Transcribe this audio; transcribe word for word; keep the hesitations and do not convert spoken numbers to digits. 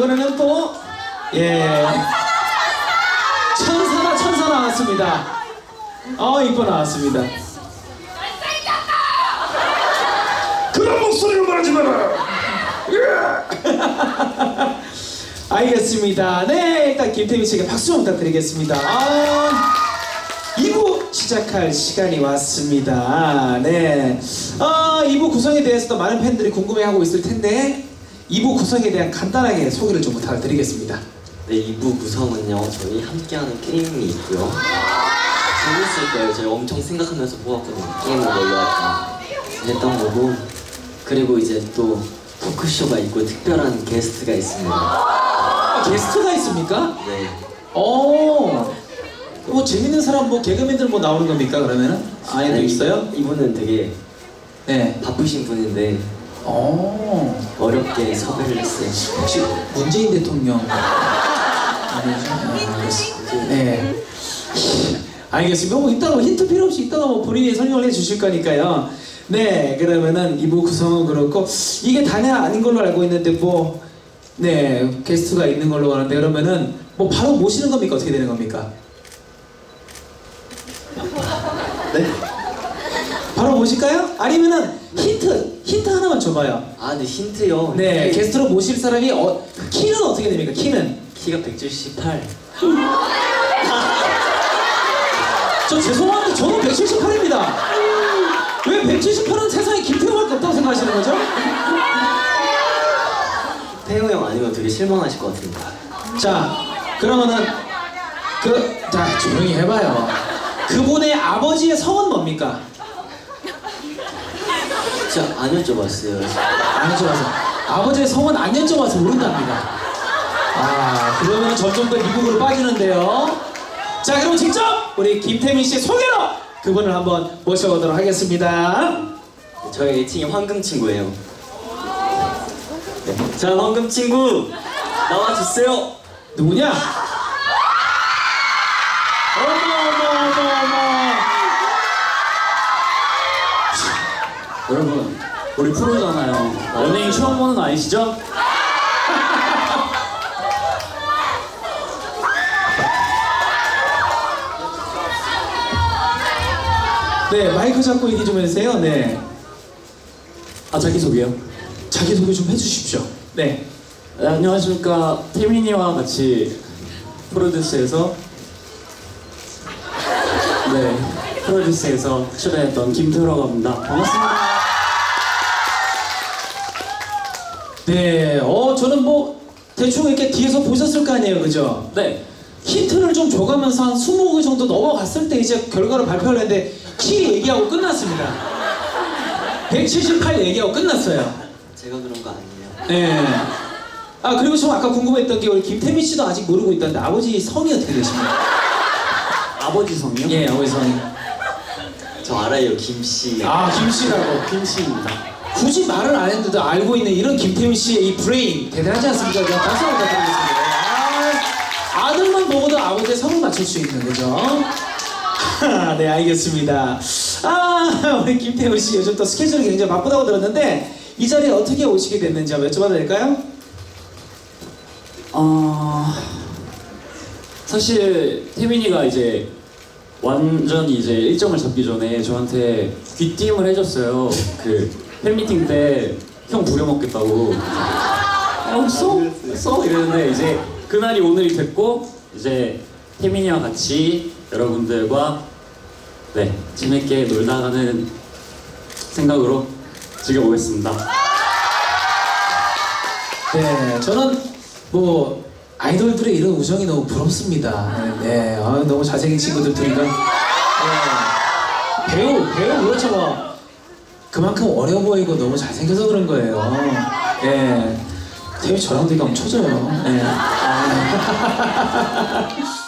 이번에는 또 예 천사나 천사 나왔습니다. 어 이뻐 나왔습니다. 그런 목소리로 말하지 마라. 알겠습니다. 네, 일단 김태민 씨에게 박수 좀 부탁드리겠습니다. 아, 이 부 시작할 시간이 왔습니다. 네, 아, 이 부 구성에 대해서도 많은 팬들이 궁금해하고 있을 텐데 이 부 구성에 대한 간단하게 소개를 좀 부탁드리겠습니다. 네, 이 부 구성은요, 저희 함께하는 게임이 있고요. 재밌을 거예요. 저희 엄청 생각하면서 뽑았거든요. 게임을 뭘로 할까 했던 거고, 그리고 이제 또 토크쇼가 있고 특별한 게스트가 있습니다. 아, 게스트가 있습니까? 네. 어, 뭐 재밌는 사람 뭐 개그맨들 뭐 나오는 겁니까 그러면은? 아예 돼 있어요? 이분은 되게 네. 바쁘신 분인데 어, 어렵게 섭외를 했어요. 혹시 문재인 대통령 아니죠? 네. 알겠습니다. 뭐 이따가 뭐 힌트 필요 없이 이따가 뭐 본인이 설명을 해주실 거니까요. 네, 그러면은 이 부 구성은 그렇고 이게 다냐 아닌 걸로 알고 있는데 뭐 네 게스트가 있는 걸로 아는데 그러면은 뭐 바로 모시는 겁니까 어떻게 되는 겁니까? 네? 바로 모실까요? 아니면은 힌트 힌트 하나만 줘봐요. 아, 네, 힌트요. 네, 게스트로 모실 사람이 어, 키는 어떻게 됩니까? 키는? 키가 백칠십팔. 저 죄송한데 저는 백칠십팔입니다. 왜 백칠십팔은 세상에 김태형밖에 없다고 생각하시는 거죠? 태호 형 아니면 되게 실망하실 것 같습니다. 자, 그러면은 그, 자 조용히 해봐요. 그분의 아버지의 성은 뭡니까? 진짜 안 여쭤봤어요. 안 여쭤봐서 아버지의 성은 안 여쭤봐서 모른답니다. 아, 그러면 점점 더 미국으로 빠지는데요. 자, 그럼 직접 우리 김태민 씨 소개로 그분을 한번 모셔보도록 하겠습니다. 저희 애칭이 황금 친구예요. 네. 자, 황금 친구 나와주세요. 누구냐? 어머 어머 어머 어머. 여러분, 우리 프로잖아요. 연예인 처음 보는 거 아니시죠? 네, 마이크 잡고 얘기 좀 해주세요. 네, 아, 자기소개요. 자기소개 좀 해주십시오. 네. 네, 안녕하십니까. 태민이와 같이 프로듀스에서 네, 프로듀스에서 출연했던 김태우라고 합니다. 반갑습니다. 네, 어, 저는 뭐 대충 이렇게 뒤에서 보셨을 거 아니에요, 그죠? 네, 힌트를 좀 줘가면서 한 스무 개 정도 넘어갔을 때 이제 결과를 발표를 했는데 키 얘기하고 끝났습니다. 백칠십팔 얘기하고 끝났어요. 제가 그런 거 아니에요. 네. 아, 그리고 좀 아까 궁금했던 게 우리 김태민 씨도 아직 모르고 있다는데 아버지 성이 어떻게 되십니까? 아버지 성이요? 예, 아버지 성이. 저 알아요, 김씨. 아, 김 씨라고. 김씨입니다. 굳이 말을 안 했는데도 알고 있는 이런 김태민 씨의 이 브레인 대단하지 않습니까? 그냥 박수 한번 부탁드리겠습니다. 아, 아들만 보고도 아버지의 성을 맞출 수 있는 거죠. 네, 알겠습니다. 아, 우리 김태훈 씨 요즘 또 스케줄이 굉장히 바쁘다고 들었는데 이 자리에 어떻게 오시게 됐는지 한번 여쭤봐도 될까요? 어... 사실 태민이가 이제 완전히 이제 일정을 잡기 전에 저한테 귀띔을 해줬어요. 그 팬미팅 때 형 부려먹겠다고. 형 써? 써? 이랬는데 이제 그날이 오늘이 됐고 이제 태민이와 같이 여러분들과 네 재밌게 놀다 가는 생각으로 즐겨보겠습니다. 네, 저는 뭐 아이돌들의 이런 우정이 너무 부럽습니다. 네, 아, 너무 잘생긴 친구들 둘이가 네, 배우, 배우 그렇죠 뭐 그만큼 어려 보이고 너무 잘생겨서 그런 거예요. 네, 태우 저랑 되게 엄청 쳐져요. 네. 아.